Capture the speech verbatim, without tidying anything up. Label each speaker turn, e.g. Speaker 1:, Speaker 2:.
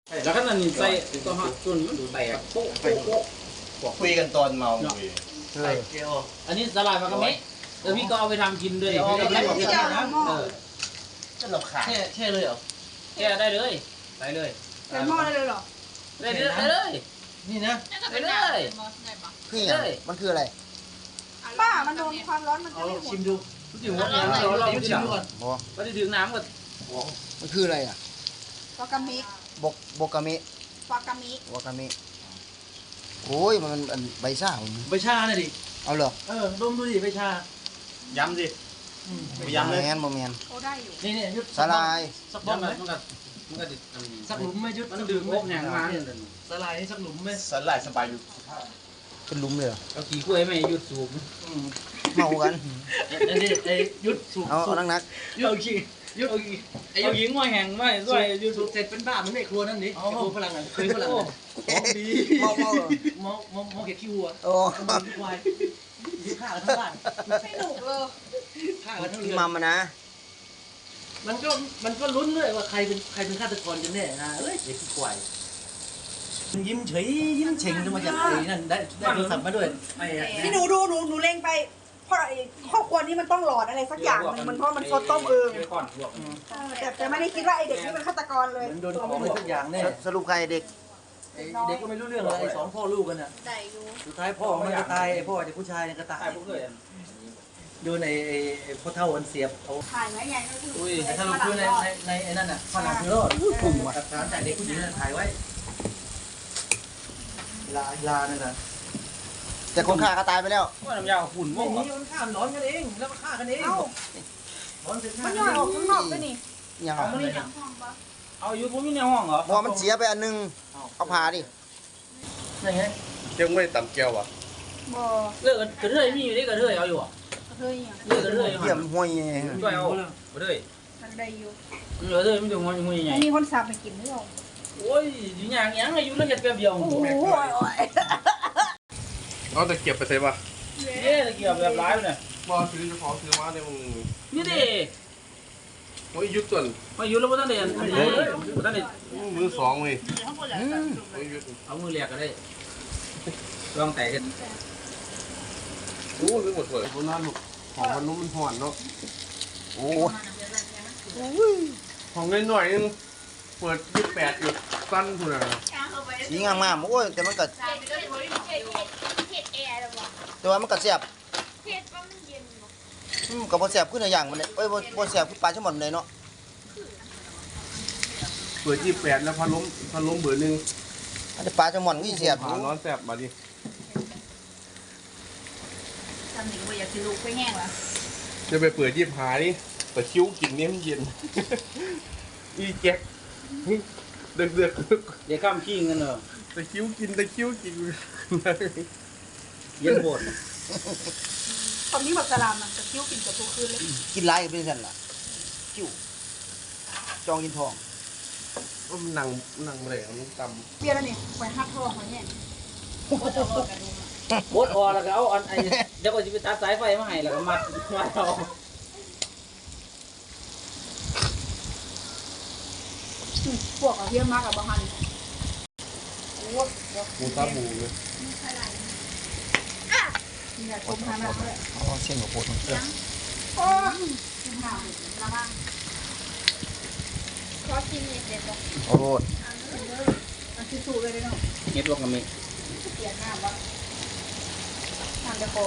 Speaker 1: แล้วก็นั่นใส่ตัวหอส่วนมันแตกโป๊ะโป๊ะโป๊ะ
Speaker 2: คุยกันตอนเมาใส่เกลียว
Speaker 1: อันนี้สลายมากระเมะเออพี่ก็เอาไปทำกินด้วย
Speaker 3: เอาไป
Speaker 1: ไม่
Speaker 3: ทำ
Speaker 1: ได้
Speaker 3: กิน
Speaker 1: นะเออ
Speaker 2: จะหลบขา
Speaker 3: แช่แช่เลยเหรอ
Speaker 1: แก้ได้เลยใส่เลย
Speaker 4: ใส่หม้อได้เลยเหรอ
Speaker 1: ได้เลยได้เลย
Speaker 3: นี่นะ
Speaker 1: ได้เลย
Speaker 5: คืออย่างมันคืออะไร
Speaker 4: ป้ามันโดนความร้อนมันจะ
Speaker 3: เอา
Speaker 4: ไม่หม
Speaker 3: ชิ
Speaker 4: ด
Speaker 3: มดู
Speaker 1: ถึงว่าเราเราไม่
Speaker 3: ชิ
Speaker 1: ถึ
Speaker 3: ม
Speaker 1: ง
Speaker 3: ดูก่อน
Speaker 5: บอ
Speaker 1: ก็จะถึงน้ำก็
Speaker 5: มันคืออะไรอ่ะ
Speaker 4: วากามิ
Speaker 5: บกบกามิ
Speaker 4: วากามิ
Speaker 5: วากามิโอ้ยมันอันใบซ่าผม
Speaker 3: ใบชาหน่อยดิ
Speaker 5: เอาเหรอ
Speaker 3: เออดมดูดิใบชา
Speaker 2: ย้ำสิ
Speaker 5: บ่ยำเลยแมนบ่แมน
Speaker 4: เขาได้อยู่
Speaker 3: นี่เนี่ยยุด
Speaker 5: สลาย
Speaker 3: สักบ้องไหม
Speaker 1: มันก็มันก็ติด
Speaker 3: สักหลุมไหมยุด
Speaker 1: มันดื่มโป๊ะแหงมา
Speaker 3: สลายนี่สักหลุมไหม
Speaker 2: สลายสบายอยู่
Speaker 5: เป็นหลุมเลยเหรอ
Speaker 1: เอาขี้กล้วยไม่หยุดสูบ
Speaker 5: เมากัน
Speaker 3: อันนี้ไอ้ยุดสูบ
Speaker 5: เอาเอานักนัก
Speaker 3: ยุดเอาขี้ยุดเอาขี้
Speaker 1: ไอ้หญิงว่าแหงไม่ด้วย
Speaker 3: ยุดสูบเสร็จเป็นบ้าเหมือนในครัวนั่นนี่ครัวฝรั่งอ่ะเคยฝรั่งของดี
Speaker 5: เมาเมาเหรอ
Speaker 3: มองมองมองเก็บขี้วัว
Speaker 5: โอ้
Speaker 3: มองขี้ควายขี้ข้าวทั้งบ้าน
Speaker 4: ไม่หนุกเลย
Speaker 3: ข้าวทั้ง
Speaker 5: พี่
Speaker 3: เรือน
Speaker 5: มัมมานะ
Speaker 3: มันก็มันก็ลุ้นด้วยว่าใครเป็นใครเป็นฆาตกรกันแน่นะเอ้ยเด็กขี้ควายมันยิ้มเฉยยิ้มเฉ่งมาจากไอ้นั่นได้ได้โทรศัพท์มาด้วยไอ้
Speaker 4: พี่หนูดูหนูหนูเล็งไปเพราะไอ้ครอบครัวนี้มันต้องหลอดอะไรสักอย่างหนึงมันเพราะมันซดต้มเอง
Speaker 1: ก่อนพวก
Speaker 4: แต่แต่ไม่ได้คิดว่าไอ้เด็กนี่เป็นฆาตกรเลย
Speaker 3: มันโดนของอะไรสักอย่างแน่
Speaker 5: สรุปใครเด็ก
Speaker 3: ไอ้เด็กก็ไม่รู้เรื่องเลยไอ้สองพ่อลูกกันน่ะ
Speaker 4: ได้อยู่
Speaker 3: สุดท้ายพ่อมันก็ตายไอ้พ่อเด็กผู้ชายเนี่ยก็ตาย
Speaker 1: ใช่พวกเลย
Speaker 3: โดนไอ้ไอ้ไอ้พ่อเท่าอันเสียบเอา
Speaker 4: ถ่ายไหมยายก็คือ
Speaker 1: อุ้ย
Speaker 3: ไอ้ถ้าเราคือในในในไอ้นั่นน่ะฝรั่งคือรอด
Speaker 5: กลุ่มว่ะ
Speaker 3: หลักฐานจากเด็กผู้หญิงนั่นถ่ายไว้ลาลานั่นน่ะ
Speaker 5: แต่คนฆ่าก็ตายไปแล้ว
Speaker 1: ว่าน้ำยาหุ่น
Speaker 3: ไม่
Speaker 1: ม่วง
Speaker 3: มีมันฆ่าหนอนกันเองแล้วก็ฆ่ากันเอง
Speaker 4: เอ้า
Speaker 3: หนอนเสร็จฆ่า
Speaker 4: มัน
Speaker 3: กั
Speaker 4: ย่อย
Speaker 3: น
Speaker 4: ออกข้างนอกด้วยนี่
Speaker 5: ยัง
Speaker 3: เอามานี่
Speaker 1: เอาอยู่ผมอยู่ในห้องเหรอ
Speaker 5: พอมันเสียไปอันนึงเอาผ่าดิ
Speaker 3: นี่ไง
Speaker 2: ยังไม่ต่ำแก้วอ่ะ
Speaker 4: บ่
Speaker 1: เลิกกันกระเทยมีอยู่นี่กระเทยเอาอยู่อ่ะ
Speaker 4: เฮ้ยอ่ะ
Speaker 1: เลิกกระเทย
Speaker 5: เยี่ยมห่วย
Speaker 1: ช่วยเอากระเทย
Speaker 4: มันได้อยู่
Speaker 1: เหลือเทยมันจะงอนงอยใหญ่
Speaker 4: ไม่มีคนสับไปกินหรือเปล่า
Speaker 1: โอ้ยอยู่อย่างยังอายุแล้วเห็ดแป๊บเดียว
Speaker 4: โอ้โห
Speaker 2: เอาแต่เก็บไปใช่ปะ
Speaker 1: เอ๊ะตะเกียบแบบร้ายเนี่ย
Speaker 2: บอซื้อจะขอซื้อมาในมึง
Speaker 1: นี่ดิ
Speaker 2: โอ้ยยุดส่วน
Speaker 1: มาอยู่แล้วพ่ท่านเด่นพ่ท่านเด่น
Speaker 2: มือสองเลย
Speaker 5: อืม
Speaker 2: โอ้ยยุด
Speaker 1: เอามือเลียกก็ได้ลองแตกกัน
Speaker 2: โอ้ยหมดเลยคนนั้นลูกของมันนุ่มมันห่อนเนาะ
Speaker 5: โอ้
Speaker 2: ของน้อยหน่อยนึงเปิดยี่สิบแปดอยู่สั้นคุณอ่ะ
Speaker 5: สีงามงามโอ้ยแต่มันก็แต่ว่ามันก็เสียบอืมก็บ่เสียบขึ้นในอย่างมันเลยเอ้ยบ่บ่เสียบขึ้นปลาชั่วโมงเลยเนาะ
Speaker 2: เปิดยี่สิบแปดแล้วพัดลมพัดลมเบอร์หนึ่ง
Speaker 5: อันนี้ปลาชั่วโมงนี่เสียบ
Speaker 2: ผ่าร้อนแสบมาดิ
Speaker 4: ทำหนิงไปอยากกินลูกไปแห้งละ
Speaker 2: จะไปเปิดยี่สิบหานี่แต่คิ้วกินเนี่ยมันเย็นอีแจ็คเดือดเดือด
Speaker 1: เดี๋ยวข้ามขี้กันเนอะ
Speaker 2: แต่คิ้วกินแต่คิ้วกิน
Speaker 1: เย็นโบด
Speaker 4: ตอนนี้แบบสลามมันจะคิ้วกินกับทุกคืนเลย
Speaker 5: กินหลายก็เป็นซั่นล่ะจิ้วจองกินทอง
Speaker 2: ว่ามันนั่งนั่งแหลงต
Speaker 4: เปลี่ยนแล้วนี่ไปหักทองไว้เนี่ย
Speaker 1: โบดออแล้วก็เอาอันไอเดี๋ยวก็จะไปตัดสายไฟมาให้แล้วก็มัดมัดเอา
Speaker 4: พวกเอาเยี่ยมมากกับบางฮันโอ้ย
Speaker 2: ำหมูตาหมูเลย
Speaker 4: นี่แหละชมทางนั้นเลย
Speaker 5: อ๋อเส้นกับโพดมันเกิน
Speaker 4: โอ้ยชมทางละบ้าง
Speaker 5: โอ้โห
Speaker 4: อันที่สูเลยเนาะ
Speaker 1: เฮ็ดลงกับมี
Speaker 4: เปลี่ยนหน้าบ้าง